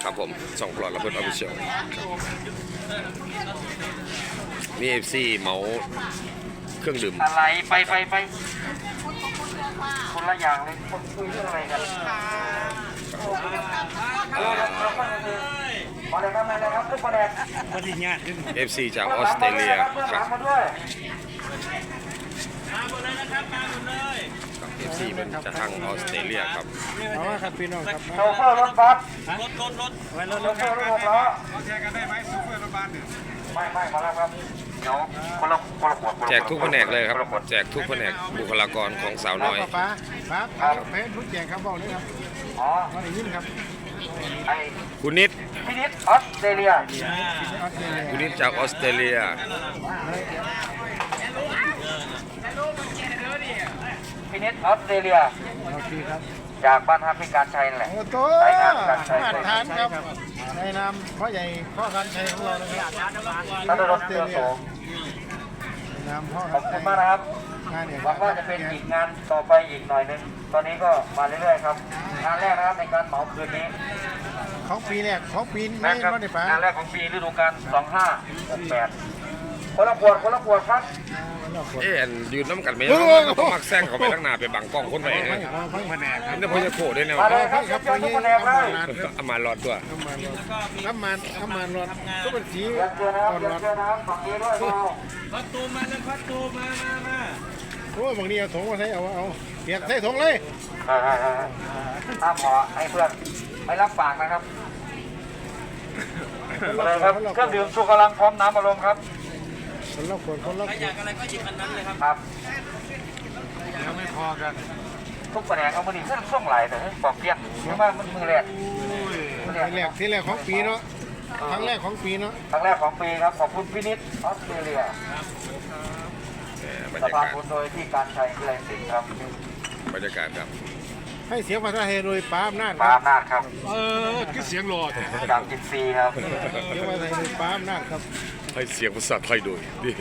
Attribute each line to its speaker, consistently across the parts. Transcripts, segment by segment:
Speaker 1: ครับผมส่องปลอดระเบิดออฟฟิเชียลมีFC เหมาเครื่องดื่ม
Speaker 2: อะไรไปคนละอย่างเลยคนคุยเรื่องอะไรกันมาเลยครับทุกคนเลย
Speaker 1: FC จากออสเตรเลียครับ FC เป็นจากทางออสเตรเลียครับ
Speaker 3: เอาว่าครับพี่น้องครับ
Speaker 2: โชเฟอร์รถบัส
Speaker 3: รถ
Speaker 2: โชเฟอร์รถหกล้อ
Speaker 4: แชร์กันได้ไหมโชเฟอร์รถบัสเนี่ย
Speaker 2: ไม่มาแล้วครับเดี๋ยวคนละขวด
Speaker 1: แจกทุกแผนกเลยครับแจกทุกแผนกบุคลากรของสาวน้อย
Speaker 3: ป้าเพชรทุกแจกครับบอกเลยครับ
Speaker 2: อ๋อ
Speaker 3: มาได้ยินครับ
Speaker 1: คุณนิด
Speaker 2: พินิจออสเตรเลีย
Speaker 1: คุณนิดจากออสเตรเลีย
Speaker 2: พินิจออสเตรเลีย
Speaker 3: โอเคครับ
Speaker 2: จากบ้านฮักพิการชัยนั่นแหละ
Speaker 3: โอ้โหมาตรฐานครับในนามพ่อใหญ่พ่อการชัยของเราเลยครับ
Speaker 2: ท่านรถเรือโสม
Speaker 3: นามพ่อ
Speaker 2: ขอบคุณมากนะครับหวังว่าจะเป็นอีกงานต่อไปอีกหน่อยนึงตอนนี้ก็มาเรื่อยๆครับงานแรกนะครับในการเหมาคืนนี้
Speaker 3: ของปีแรกของปีนี้
Speaker 2: ไม่ได้ป่ะงานแรกของปีฤดูกาล2568คนละขวดครับ
Speaker 1: ยืนน้ำกันไหมต้องมักแซงเขาไปตั้งนานไปบังกล้องคนไปเอง
Speaker 3: แผนกครับ
Speaker 1: นี่พอจะโผล่ได้แนวอามาหลอดด้วย
Speaker 3: น้ำมันหลอดก็เป็นสี
Speaker 2: ก่อนหลอด
Speaker 4: พัดตูมาเลยพัดตูมา
Speaker 3: โอ้บางทีเอาถุงมาใส่เอาเปียกใส่ถุงเลย
Speaker 2: ถ้าพอให้เพื่อนไม่รับฝากนะครับเลยครับเครื่องดื่มชูกำลังพร้อมน้ำอารมณ์ครับ
Speaker 3: คนละ
Speaker 4: อยากอะไรก็หยิบอันนั้นเลยครับ
Speaker 2: ครับ
Speaker 4: ยังไม่พอกัน
Speaker 2: ทุกแผนกเอามาดิเครื่องส่งไหลแต่ปอกเกี้ยงเพราะว่ามันมือแรก
Speaker 3: ที่แรกของปีเนาะครั้งแรกของปีเนาะ
Speaker 2: ครั้งแรกของปีครับขอบคุณพินิจออสเตรเลียสภาคุณโดยที่การชัยวิไลศิลป์ครับ
Speaker 1: บรรยากาศครับ
Speaker 3: ให้เสียงภาษาไทยโดยป้าอำนาจ
Speaker 2: ครับ
Speaker 4: คือเสียงหลอด
Speaker 2: จากจิตซีครับ
Speaker 3: เสียงภาษาไทยโดยป้าอำนาจครับ
Speaker 1: ให้เสียงภาษาไทยโดยนี่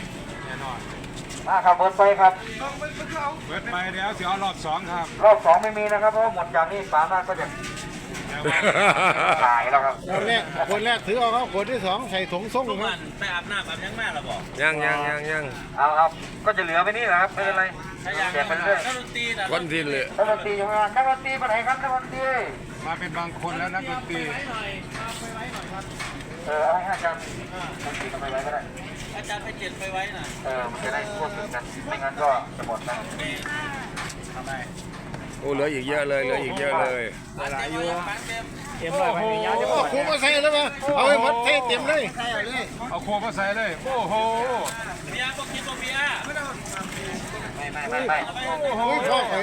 Speaker 2: ครับเบิร์ดไปครับ
Speaker 4: เบิร์ดไปแล้วเสียรอบ2ครับ
Speaker 2: รอบ2ไม่มีนะครับเพราะหมดจากนี้ป้าอำนาจก็จะขายแล้วครับ
Speaker 3: คนแรกถือเอาครับคนที่2ใส่ถุงส่งครับ
Speaker 4: ไปอาบน้ำยังแม่หรอบอก
Speaker 1: ยัง
Speaker 2: เอาครับก็จะเหลือไปนี่แหละครับไม่เป็นไรเก็บไปเรื่อย
Speaker 1: คนที่เหลือ
Speaker 2: นักดนตรีอยู่งานนักดนตรีไปไหนครับนักดนตรี
Speaker 4: มาเป็นบางคนแล้วนักดนตรี
Speaker 2: เอาให้อาจารย์ดนตรีไปไว้ก็ได้
Speaker 4: อาจารย์ไปเจ็ดไปไว้น่ะ
Speaker 2: มันจะได้ควบคุมกันไม่งั้นก็จะหมดนะ
Speaker 4: ทำไม
Speaker 1: โอ้เหลืออีกเยอะเลยหลายอยู่
Speaker 3: เต็มเลยไม่มียาจะคู่มาใส่แล้วมาเอาไปหมดเต็มเลย
Speaker 4: เอาโคมาใส่เลยโอ้โห
Speaker 2: เบียร์บอกกินบอกเบียร์ไม่
Speaker 3: โอ้ยพ่อไป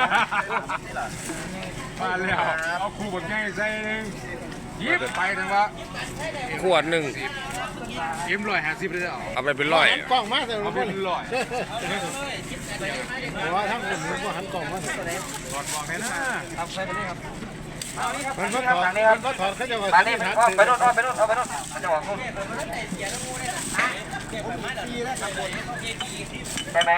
Speaker 4: มาแล้วเอาคู่แบบง่ายใส่หนึ่งยิบไปถึงวะ
Speaker 1: ขวดหนึ่ง
Speaker 4: 150เลย
Speaker 1: เอาไปเป็นร้อย
Speaker 3: กล่องมาแต่
Speaker 4: เอาเป็นร้อย
Speaker 3: ว่าทั้งคนมันก็หันกล่องมา
Speaker 4: ถอดบอกแค่นั้นทำใส่ไปเลยครับ
Speaker 3: มันก็ถอดเขาจะว่า
Speaker 2: นี่ไปโน่นมันจะบอกนู่นใช่ไหม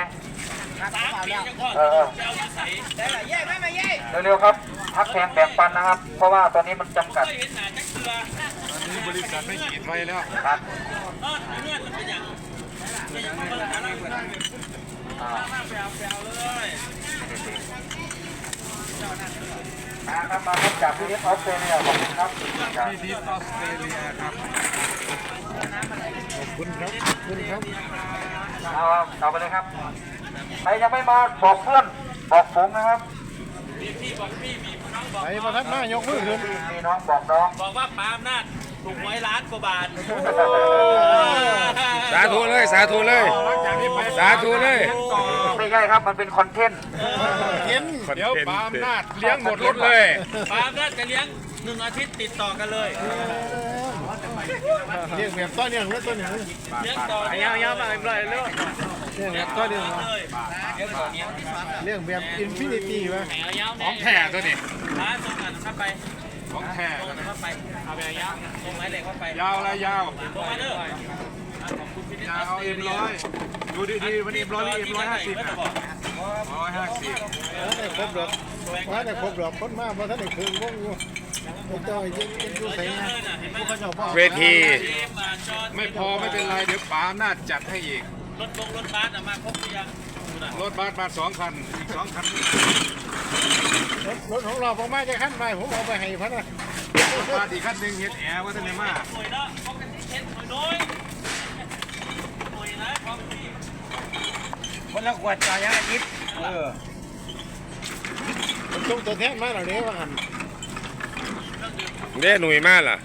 Speaker 2: เร็วๆครับพักแทนแบ่งปันนะครับเพราะว่าตอนนี้มันจำกัด
Speaker 4: ตอนนี้บริษัทไม่ขีดไฟแล้ว
Speaker 2: ครับครับมาจากพินิจออสเตรเลียขอบคุณครับ
Speaker 4: พินิจออสเตรเลียครับ
Speaker 3: ขอบคุณครับ
Speaker 2: เอาไปเลยครับใครยังไม่มาบอกเพื่อนบอกฝูงนะครับ
Speaker 3: ไอ้ประทัดหน้ายกมือขึ้น
Speaker 2: มีน้องบอกน้อง
Speaker 4: บอกว่าปาล์มนาดถูกหวยล้านกว่าบาท
Speaker 1: สาธุเลย
Speaker 2: ไม่ใช่ครับมันเป็นคอนเทนต์
Speaker 4: เดี๋ยวปาล์มนาดเลี้ยงหมดรถเลยปาล์มนาดจะเลี้ยง1 อาทิตย์ติดต่อกันเลย
Speaker 3: เลี้ยงแบบต้นอย่างนี้ต้นอย่างนี้
Speaker 4: เลี้ยงต่อยาวๆมาอีกเลยเร็ว
Speaker 3: เลี้ยงแบบต้นอย่างนี้เลี้ยงแบบอินฟินิตี้วะ
Speaker 4: ของแท้ตัวนี้
Speaker 2: ส่งงานเข้าไป
Speaker 4: ของแท้
Speaker 2: เข้าไปเอาไปยาวส่งไม้เหล็กเข้าไป
Speaker 4: ยาวอะไรยาว
Speaker 2: ลงมาเด้
Speaker 4: อยาวเอา100ดูดีๆวันนี้100 150นะ150
Speaker 3: ถ้าได้ครบดอกคนมากเพราะถ้าได้คืนวงอยู่ผมจะเอาดูใส่ไงพวกเขาจะบอก
Speaker 1: เวที
Speaker 4: ไม่พอไม่เป็นไรเดี๋ยวป๋าอำนาจจัดให้อีก
Speaker 5: รถบัสมาครบหรือยัง
Speaker 4: รถบัสมา2 คันอีก2 คัน
Speaker 3: รถของเราผมมาจะขั้นไปผมเอาไปให้พันนะ
Speaker 4: มาอีกคันหนึ่งเฮ็ดแอร์ว่าท่านไหนมา
Speaker 5: หน่วยละป้องกันที่เช็ดหน่วยน้อยหน่วยนะความที่
Speaker 2: คนละขวดจ่ายยังอาทิตย์
Speaker 3: มันต้องตัวแทนมาเหล่านี้ว่าหัน
Speaker 1: เด้หนุ่ยมากล่ะ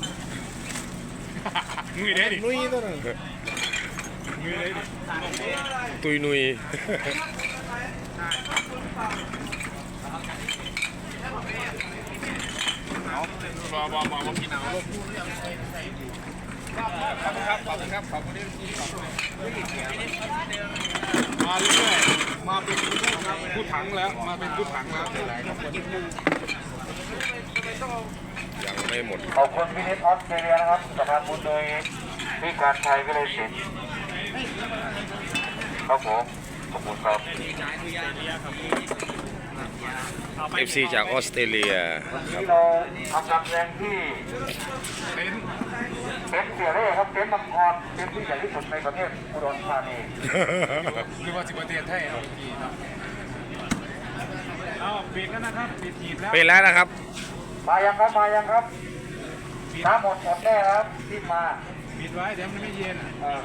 Speaker 4: มือเด้ดิ
Speaker 3: นุ้ยตัวนั้น
Speaker 4: มือเด้ดิ
Speaker 1: ตุยหนุ่ย
Speaker 4: รอบอกกินเอาขอบคุณครับขอบคุณครับขอบคุณที่มาเรื่อยๆมาเป็นผู้ถังแล้วมาเป็นผู้ถังแล้ว
Speaker 1: ยังไม่หมด
Speaker 2: ขอบคุณพินิจออสเตรเลียนะครับสถานบุญโดยพี่การชัยวิเลยศิลป์ครับผมขอบคุณครับ
Speaker 1: FC จากออสเตรเลีย
Speaker 2: ที่เราทำการแสดงที่
Speaker 4: เป็น
Speaker 2: เต็นท์เสียเร่ครับเต็นท์มังกรเต็นท์ที่ใหญ่ที่สุดในประเทศอุดรธานี
Speaker 4: หรือว่าสิบประเทศไทยเอากี่ครับเอาปิดแล้วนะครับปิดหีบแล้ว
Speaker 1: เป็นแล้วนะครับ
Speaker 2: มายังครับถ้าหมดแน่ครับรีบมา
Speaker 4: ปิดไว้เดี๋ยวมันไม่เย็น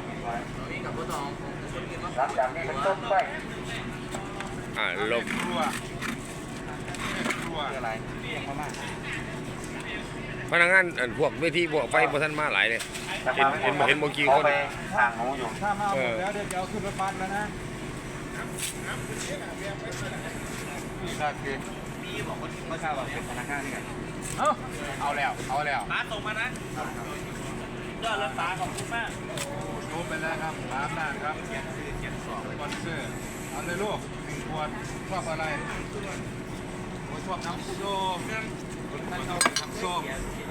Speaker 2: หลังจากนี้เป็นต้นไป
Speaker 1: ลบ
Speaker 4: ครัวอะไร
Speaker 1: พนักงานพวกเวทีพวกไฟพวกท่านมาหลายเลยเห็นเมื่อกี้คน
Speaker 2: ไปห่างหนูอยู่
Speaker 4: ถ้ามาหมดแล้วเดี๋ยวจะเอาขึ้นรถบัสแล้วนะนี่ก็คือ
Speaker 5: มีบอกว่าเมื่อเช้าบอกเป็นพนักงานนี่ไง
Speaker 4: เอาแล้ว
Speaker 5: ป้าส่งมานะยอดรักษาขอบคุณมาก
Speaker 4: รูปไปแล้วครับตามนั่นครับเขียนสปอนเซอร์เอาเลยลูก1 ขวดชอบอะไรชอบน้ำส้มท่านชอบน้ำส้ม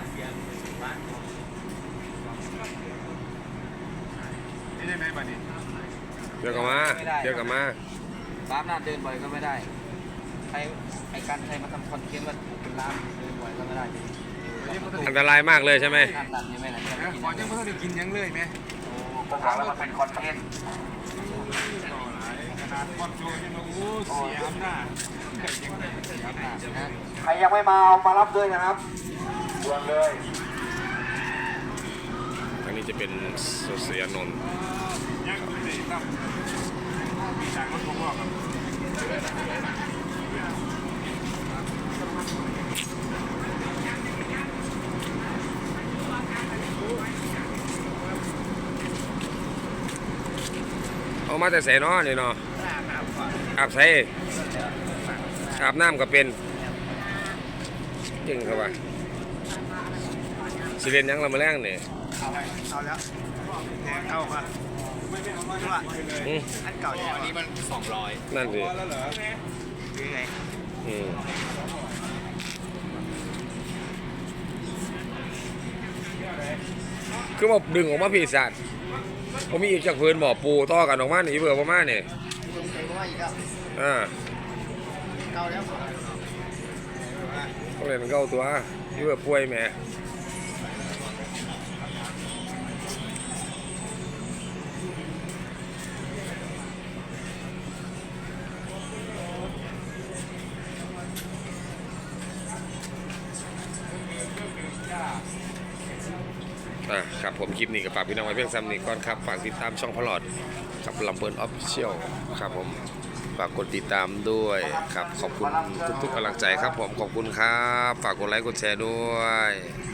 Speaker 4: นี่ได้ไหมบัดนี้
Speaker 1: เดี๋ยวกลับมา
Speaker 2: ร้านหน้าเดินบ่อยก็ไม่ได้ไอ้การใครมาทำคอนเทนต์ว่าเป็นร้านเดินบ่อยก็ไม่ได้
Speaker 1: อันตรายมากเลยใช่ไหม
Speaker 2: ห้ามตัดยังไงล่ะ
Speaker 4: ขอยังไม่ต้องได้กินยังเลยไหม
Speaker 2: ก็บอกแล้วมันเป็นคอนเทนต์
Speaker 4: ขนาดคอนโทรลยังมาอู้เสียอำนาจเสียอำนาจนะ
Speaker 2: ใครยังไม่มาเอามารับด้วยนะครับด่วนเลย
Speaker 1: อันนี้จะเป็นโซเซียนนท์
Speaker 4: ยังไม่ได้ตั้งมีจากรถผมบอกครับ
Speaker 1: เอามาแต่ใส่นอนี่เนาะอาบใส่อาบน้ำก็เป็นจริงครับว่าสิเรียนยังละมาแรงนี่
Speaker 3: เอาแล้วแทงเข้ามาว่า
Speaker 1: อืม
Speaker 3: อันเก่าเนี่ยอันนี้มัน200
Speaker 1: นั่นสิ
Speaker 4: แล้วเหรอ
Speaker 3: คือไง
Speaker 1: อืมคือมาดึงออกมาพี่สัตว์ผมมีอีกจากพื้นบ่อปูต่อกันออกมาหนีเบื่อประมาณนี่
Speaker 3: ผมใส่ว่าอีกแล้ว เก่าแล้ว
Speaker 1: ต้องเล่นเก้าตัวนี่เบื่อป่วยแหมครับผมคลิปนี้กับฝากพี่น้องไว้เพียงซ้ำนี้ก่อนครับฝากติดตามช่องพลอดกับลำเบิร์นออฟฟิเชียลครับผมฝากกดติดตามด้วยครับขอบคุณทุกๆกำลังใจครับผมขอบคุณครับฝากกดไลค์กดแชร์ด้วย